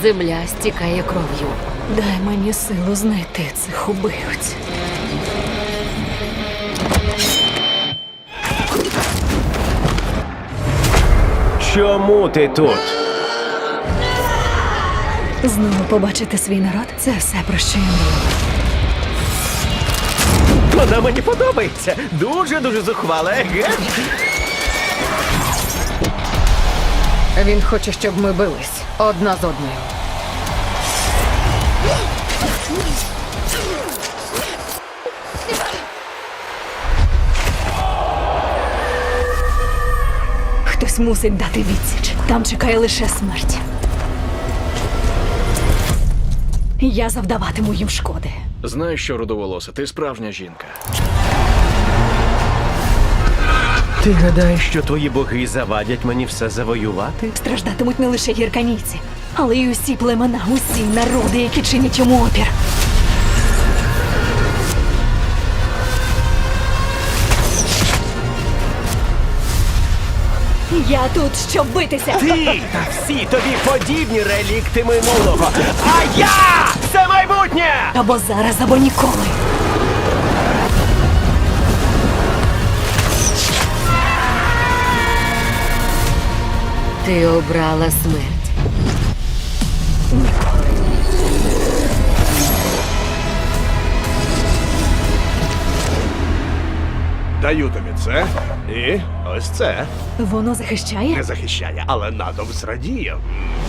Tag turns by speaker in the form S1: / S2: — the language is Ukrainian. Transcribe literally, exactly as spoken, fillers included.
S1: Земля стікає кров'ю.
S2: Дай мені силу знайти цих убивць.
S3: Чому ти тут?
S2: Знову побачити свій народ – це все, про що я мрію.
S3: Вона мені подобається. Дуже-дуже зухвала, еге?
S1: Він хоче, щоб ми бились одна з одною.
S2: Хтось мусить дати відсіч. Там чекає лише смерть. Я завдаватиму їм шкоди.
S4: Знаєш що, рудоволоса, ти справжня жінка.
S3: Ти гадаєш, що твої боги завадять мені все завоювати?
S2: Страждатимуть не лише гірканійці, але й усі племена, усі народи, які чинять йому опір. Я тут, щоб битися.
S3: Ти та всі тобі подібні релікти минулого. А я – це майбутнє!
S2: Або зараз, або ніколи.
S1: Ти обрала смерть.
S5: Даю тобі це і ось це.
S2: Воно захищає?
S5: Не захищає, але натовп зрадіє.